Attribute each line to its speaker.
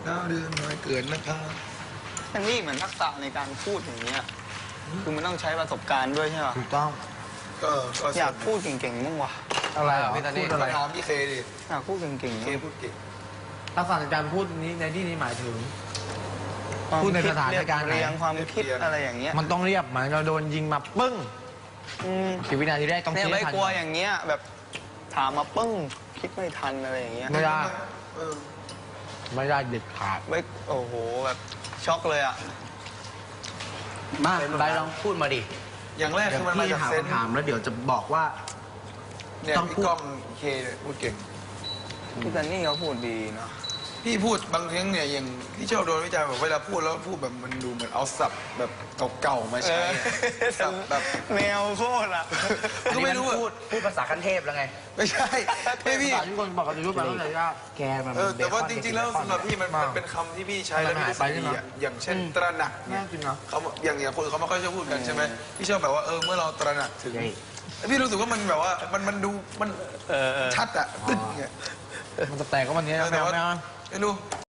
Speaker 1: 9 เดือนน้อยเกินนะครับ
Speaker 2: แต่นี่เหมือนทักษะในการพูดอย่างเงี้ยคือมันต้องใช้ประสบการณ์ด้วยใช่ป่ะ
Speaker 3: ถูกต้อง
Speaker 1: ก็
Speaker 2: อยากพูดเก่งๆบ้างวะ
Speaker 3: อะไรเหรอ
Speaker 1: พี่ตอน
Speaker 3: พู
Speaker 1: นี้
Speaker 3: ดอะไร
Speaker 1: ถามพี่เคดิ
Speaker 2: อยากพูดเก่งๆ
Speaker 1: เค
Speaker 2: บ้าง
Speaker 1: พูดเก่ง
Speaker 3: ทักษะในการพูดนี้ในที่นี้หมายถึง
Speaker 2: ความ
Speaker 3: พูดใน
Speaker 2: คิ
Speaker 3: สถานการณ์ไหน
Speaker 2: เรียงความคิดอะไรอย่างเงี้ย
Speaker 3: มันต้องเรียบเหมือนเราโดนยิงมาปึ้ง กี่วินาทีแรกต้อง
Speaker 2: เนี่ย
Speaker 3: คิด
Speaker 2: ไม่
Speaker 3: ให้ทัน
Speaker 2: กลัวอย่างเงี้ยแบบถามมาปึ้งคิดไม่ทันอะไรอย่างเงี้ย
Speaker 3: ไม่ได้
Speaker 1: เออ
Speaker 3: ไม่ได้เด็ดขาด
Speaker 2: ไม่โอ้โหแบบช็อกเลยอ่ะ
Speaker 4: มาไปลองพูดมาดิ
Speaker 1: อย่างแรก
Speaker 4: เดี๋ย
Speaker 1: คื
Speaker 4: ว
Speaker 1: อมันมา
Speaker 4: พี่
Speaker 1: จาก
Speaker 4: ถาม
Speaker 1: เซนส์
Speaker 4: คำถามแล้วเดี๋ยวจะบอกว่า
Speaker 1: เนี่ย
Speaker 4: ต้อง
Speaker 1: พี่
Speaker 4: พูด
Speaker 1: ก้องเคเนี่ยพูดเก่ง
Speaker 2: พี่ซันนี่เขาพูดดีเนาะ
Speaker 1: พี่พูดบางครั้งเนี่ยอย่างที่ชอบโดนวิจารณ์แบบเวลาพูดแล้วพูดแบบมันดูเหมือนเอาศัพท์แบบเก่าๆมาใช้อะศัพท์แบบ
Speaker 2: แมวโคตรอ่ะ
Speaker 1: ก็ไม่รู้อะ
Speaker 4: พูดภาษาขั้นเทพแล้วไง
Speaker 1: ไม่ใช่ไม่พี่
Speaker 3: ภาษาที่คนบอกกันจะรู้ไปแล้วแต่ยาก
Speaker 4: แกมัน
Speaker 1: แต่ว่า
Speaker 4: เบคอน
Speaker 1: จริงๆแล้ว
Speaker 4: เบคอน
Speaker 1: สำหรับพี่มันเป็นคำที่พี่ใช้แล้วพี่รู้สึกดีอะอย่างเช่นตระหนักเนี่ย
Speaker 3: น่ากินเนอะ
Speaker 1: เขาอย่างคนเขาไม่ค่อยชอบพูดกันใช่ไหมพี่ชอบแบบว่าเมื่อเราตระหนักถึง
Speaker 4: ใช่
Speaker 1: พี่รู้สึกว่ามันแบบว่ามันดูมันชัดอะตึ้งเนี่ย
Speaker 3: มันจะแตกก็วันนี้
Speaker 1: แต่
Speaker 3: แมว
Speaker 1: ว่า
Speaker 3: แมว
Speaker 1: ไม่รู้